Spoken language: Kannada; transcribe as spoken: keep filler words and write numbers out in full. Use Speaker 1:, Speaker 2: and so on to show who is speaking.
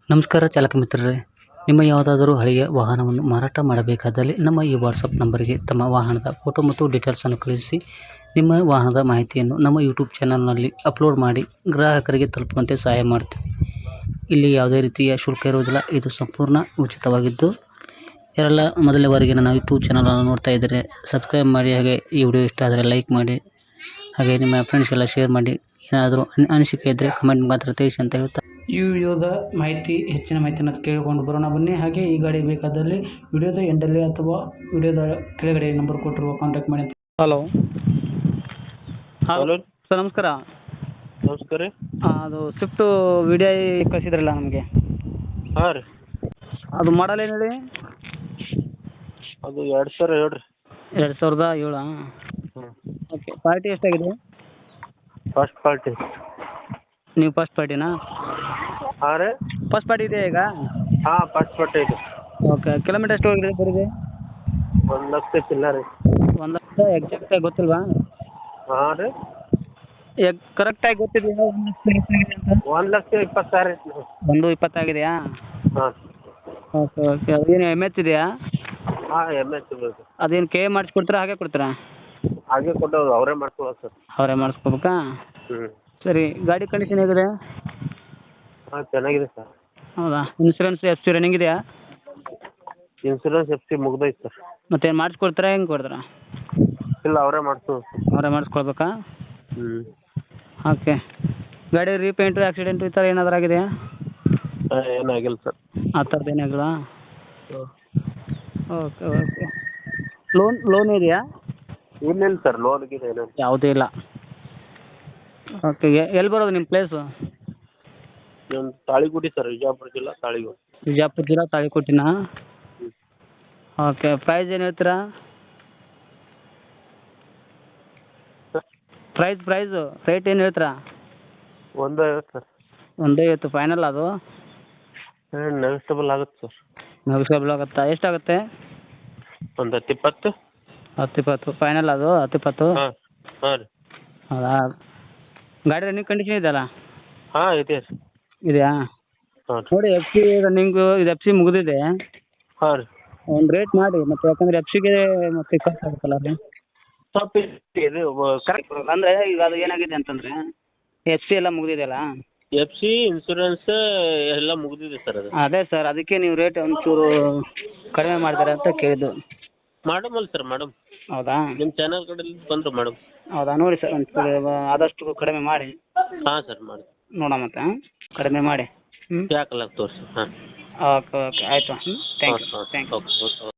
Speaker 1: ನಮಸ್ಕಾರ ಚಾಲಕ ಮಿತ್ರರೇ, ನಿಮ್ಮ ಯಾವುದಾದರೂ ಹಳೆಯ ವಾಹನವನ್ನು ಮಾರಾಟ ಮಾಡಬೇಕಾದಲ್ಲಿ ನಮ್ಮ ಈ ವಾಟ್ಸಪ್ ನಂಬರಿಗೆ ತಮ್ಮ ವಾಹನದ ಫೋಟೋ ಮತ್ತು ಡೀಟೇಲ್ಸನ್ನು ಕಳುಹಿಸಿ ನಿಮ್ಮ ವಾಹನದ ಮಾಹಿತಿಯನ್ನು ನಮ್ಮ ಯೂಟ್ಯೂಬ್ ಚಾನಲ್ನಲ್ಲಿ ಅಪ್ಲೋಡ್ ಮಾಡಿ ಗ್ರಾಹಕರಿಗೆ ತಲುಪುವಂತೆ ಸಹಾಯ ಮಾಡ್ತೀವಿ. ಇಲ್ಲಿ ಯಾವುದೇ ರೀತಿಯ ಶುಲ್ಕ ಇರುವುದಿಲ್ಲ. ಇದು ಸಂಪೂರ್ಣ ಉಚಿತವಾಗಿದ್ದು, ಯಾರೆಲ್ಲ ಮೊದಲನೇ ಬಾರಿಗೆ ನನ್ನ ಯೂಟ್ಯೂಬ್ ಚಾನಲನ್ನು ನೋಡ್ತಾ ಇದ್ದರೆ ಸಬ್ಸ್ಕ್ರೈಬ್ ಮಾಡಿ, ಹಾಗೆ ಈ ವಿಡಿಯೋ ಇಷ್ಟ ಆದರೆ ಲೈಕ್ ಮಾಡಿ, ಹಾಗೆ ನಿಮ್ಮ ಫ್ರೆಂಡ್ಸ್ಗೆಲ್ಲ ಶೇರ್ ಮಾಡಿ. ಏನಾದರೂ ಅನಿಸಿಕೆ ಇದ್ದರೆ ಕಮೆಂಟ್ ಮಾತ್ರ ತಿಳಿಸಿ ಅಂತ ಹೇಳ್ತಾ ಈ ವಿಡಿಯೋದ ಮಾಹಿತಿ ಹೆಚ್ಚಿನ ಮಾಹಿತಿಯನ್ನು ಕೇಳಿಕೊಂಡು ಬರೋಣ ಬನ್ನಿ. ಹಾಗೆ ಈ ಗಾಡಿ ಬೇಕಾದಲ್ಲಿ ವಿಡಿಯೋದ ಎಂಡಲ್ಲಿ ಅಥವಾ ವಿಡಿಯೋದ ಕೆಳಗಡೆ ನಂಬರ್ ಕೊಟ್ಟಿರುವ ಕಾಂಟ್ಯಾಕ್ಟ್ ಮಾಡಿ. ಹಲೋ
Speaker 2: ಹಲೋ
Speaker 1: ಸರ್, ನಮಸ್ಕಾರ.
Speaker 2: ನಮಸ್ಕಾರ ರೀ.
Speaker 1: ಅದು ಸ್ವಿಫ್ಟು ವಿಡಿಯೋ ಕಳಿಸಿದ್ರಲ್ಲ ನಮಗೆ,
Speaker 2: ಹಾಂ ರೀ.
Speaker 1: ಅದು ಮಾಡಲ್ ಏನು ಹೇಳಿ?
Speaker 2: ಅದು ಎರಡು ಸಾವಿರ ಏಳು ರೀ.
Speaker 1: ಎರಡು ಸಾವಿರದ ಏಳು
Speaker 2: ಹ್ಞೂ.
Speaker 1: ಓಕೆ. ಪಾರ್ಟಿ ಎಷ್ಟಾಗಿದೆ?
Speaker 2: First party.
Speaker 1: ನೀವು ಫಸ್ಟ್ ಪಾರ್ಟಿನಾ?
Speaker 2: ಹಾಂ ರೀ.
Speaker 1: ಫಸ್ಟ್ ಪಾರ್ಟಿ ಇದೆಯಾ ಈಗ?
Speaker 2: ಹಾಂ, ಫಸ್ಟ್ ಪಾರ್ಟಿ ಇದೆ.
Speaker 1: ಓಕೆ. ಕಿಲೋಮೀಟರ್ ಎಷ್ಟು ಹೋಗಿದೆ ಬರೀದೆ?
Speaker 2: ಒಂದು ಲಕ್ಷ ಚಿಲ್ಲರೆ.
Speaker 1: ಒಂದು ಲಕ್ಷ ಎಕ್ಸಾಕ್ಟಾಗಿ ಗೊತ್ತಿಲ್ವಾ?
Speaker 2: ಹಾಂ ರೀ.
Speaker 1: ಎಗ್ ಕರೆಕ್ಟಾಗಿ ಗೊತ್ತಿದೆಯಾ ಒಂದು ಲಕ್ಷ ಎಷ್ಟಾಗಿದೆ ಅಂತ?
Speaker 2: ಒಂದು ಲಕ್ಷ ಇಪ್ಪತ್ತು ಸಾವಿರ ಐತಿ.
Speaker 1: ಒಂದು ಇಪ್ಪತ್ತಾಗಿದೆಯಾ?
Speaker 2: ಹಾಂ.
Speaker 1: Okay okay. ಅದೇನು ಎಮ್ ಎಚ್ ಇದೆಯಾ?
Speaker 2: ಹಾಂ, ಎಮ್ ಎಚ್ ಇದೆ.
Speaker 1: ಅದೇನು ಕೆ ಮಾಡಿಸ್ಕೊಡ್ತೀರಾ ಹಾಗೆ ಕೊಡ್ತೀರಾ?
Speaker 2: ಹಾಗೆ ಕೊಟ್ಟವ್ರು, ಅವರೇ ಮಾಡ್ಕೊಳ್ಳೋದು ಸರ್.
Speaker 1: ಅವರೇ ಮಾಡಿಸ್ಕೋಬೇಕಾ?
Speaker 2: ಹ್ಞೂ.
Speaker 1: ಸರಿ. ಗಾಡಿ ಕಂಡೀಷನ್ ಹೇಗಿದೆ?
Speaker 2: ಹಾಂ, ಚೆನ್ನಾಗಿದೆ ಸರ್.
Speaker 1: ಹೌದಾ? ಇನ್ಸೂರೆನ್ಸ್ ಎಫ್ ಸಿ ರನ್ನಿಂಗ್ ಇದೆಯಾ?
Speaker 2: ಇನ್ಸೂರೆನ್ಸ್ ಎಫ್ ಸಿ ಮುಗ್ದೈತೆ ಸರ್.
Speaker 1: ಮತ್ತೇನು ಮಾಡಿಸ್ಕೊಡ್ತೀರಾ, ಹೆಂಗೆ ಕೊಡ್ತೀರಾ?
Speaker 2: ಇಲ್ಲ, ಅವರೇ ಮಾಡ್ಸೋದು.
Speaker 1: ಅವರೇ ಮಾಡಿಸ್ಕೊಳ್ಬೇಕಾ?
Speaker 2: ಹ್ಞೂ.
Speaker 1: ಓಕೆ. ಗಾಡಿ ರೀಪೇಂಟು, ಆಕ್ಸಿಡೆಂಟು ಈ ಥರ ಏನಾದರೂ ಆಗಿದೆಯಾ?
Speaker 2: ಹಾಂ, ಏನಾಗಿಲ್ಲ ಸರ್.
Speaker 1: ಆ ಥರದ್ದು ಏನಾಗಿಲ್ಲ?
Speaker 2: ಹ್ಞೂ.
Speaker 1: Okay okay. ಲೋನ್ ಲೋನ್ ಇದೆಯಾ?
Speaker 2: ಇಲ್ಲ ಇಲ್ಲ ಸರ್, ಲೋನ್ಗಿದೆ ಏನಿಲ್ಲ.
Speaker 1: ಯಾವುದೂ ಇಲ್ಲ. ಓಕೆ. ಎಲ್ಲಿ ಬರೋದು ನಿಮ್ಮ ಪ್ಲೇಸು?
Speaker 2: ನಮ್ಮ ತಾಳಿಕೋಟೆ ಸರ್, ವಿಜಯಪುರ ಜಿಲ್ಲಾ ತಾಳಿಕೋಟೆ.
Speaker 1: ವಿಜಯಪುರ ಜಿಲ್ಲಾ ತಾಳಿಕೋಟಿನಾ?
Speaker 2: ಹ್ಞೂ.
Speaker 1: ಓಕೆ. ಪ್ರೈಸ್ ಏನು ಹೇಳ್ತೀರಾ? ಪ್ರೈಸ್ ಪ್ರೈಸು ರೇಟ್ ಏನು ಹೇಳ್ತೀರಾ?
Speaker 2: ಒಂದು ಐವತ್ತು ಸರ್.
Speaker 1: ಒಂದು ಐವತ್ತು ಫೈನಲ್ ಅದು?
Speaker 2: ಹಾಂ, ನೆಗೋಸ್ಟೇಬಲ್ ಆಗುತ್ತೆ ಸರ್.
Speaker 1: ನೆಗೋಸ್ಟೇಬಲ್ ಆಗುತ್ತಾ? ಎಷ್ಟಾಗುತ್ತೆ?
Speaker 2: ಒಂದು ಹತ್ತು ಇಪ್ಪತ್ತು.
Speaker 1: ಹತ್ತು ಇಪ್ಪತ್ತು ಫೈನಲ್ ಅದು? ಹತ್ತು ಇಪ್ಪತ್ತು?
Speaker 2: ಹಾಂ. ಹಾಂ ರೀ.
Speaker 1: ಹೌದಾ? ಗಾಡಿ ರನ್ನಿಂಗ್ ಕಂಡೀಷನ್ ಇದೆಯಲ್ಲ?
Speaker 2: ಹಾಂ, ಇದೆ ಸರ್.
Speaker 1: ಇದೆಯಾ?
Speaker 2: ಹಾಂ ರೀ.
Speaker 1: ನೋಡಿ, ಎಫ್ ಸಿ ರನ್ನಿಂಗು ಇದು ಎಫ್ ಸಿ ಮುಗಿದಿದೆ.
Speaker 2: ಹಾಂ ರೀ.
Speaker 1: ಒಂದು ರೇಟ್ ಮಾಡಿ ಮತ್ತೆ, ಯಾಕಂದರೆ ಎಫ್ ಸಿಗೆ ಮತ್ತೆ ಖರ್ಚು ಆಗುತ್ತಲ್ಲ ಅದು.
Speaker 2: ಸ್ವಲ್ಪ ಇದು ಕರೆಕ್ಟ್.
Speaker 1: ಅಂದರೆ ಈಗ ಅದು ಏನಾಗಿದೆ ಅಂತಂದರೆ, ಎಫ್ ಸಿ ಎಲ್ಲ ಮುಗಿದಿದೆಯಲ್ಲ?
Speaker 2: ಎಫ್ ಸಿ ಇನ್ಸೂರೆನ್ಸ್ ಎಲ್ಲ ಮುಗಿದಿದೆ ಸರ್ ಅದು.
Speaker 1: ಅದೇ ಸರ್, ಅದಕ್ಕೆ ನೀವು ರೇಟ್ ಒಂಚೂರು ಕಡಿಮೆ ಮಾಡ್ತೀರಾ ಅಂತ ಕೇಳಿದ್ದು.
Speaker 2: ಮಾಡಮಲ್ಲ ಸರ್, ಮಾಡಮ್.
Speaker 1: ಹೌದಾ?
Speaker 2: ನಿಮ್ಮ ಚಾನಲ್ ಕಡೆಯಿಂದ ಬಂದರು ಮೇಡಮ್.
Speaker 1: ಹೌದಾ? ನೋಡಿ ಸರ್, ಒಂಚೂರು ಆದಷ್ಟು ಕಡಿಮೆ ಮಾಡಿ.
Speaker 2: ಹಾಂ ಸರ್, ಮಾಡಿ
Speaker 1: ನೋಡೋಣ ಮತ್ತೆ. ಕಡಿಮೆ ಮಾಡಿ. ಹ್ಞೂ.
Speaker 2: ಯಾಕಲ್ಲ ತೋರಿಸಿ. ಹಾಂ.
Speaker 1: ಓಕೆ ಓಕೆ, ಆಯಿತು. ಹ್ಞೂ. Thank you.
Speaker 2: ಹಾಂ,
Speaker 1: ಥ್ಯಾಂಕ್ ಯು.
Speaker 2: Okay okay.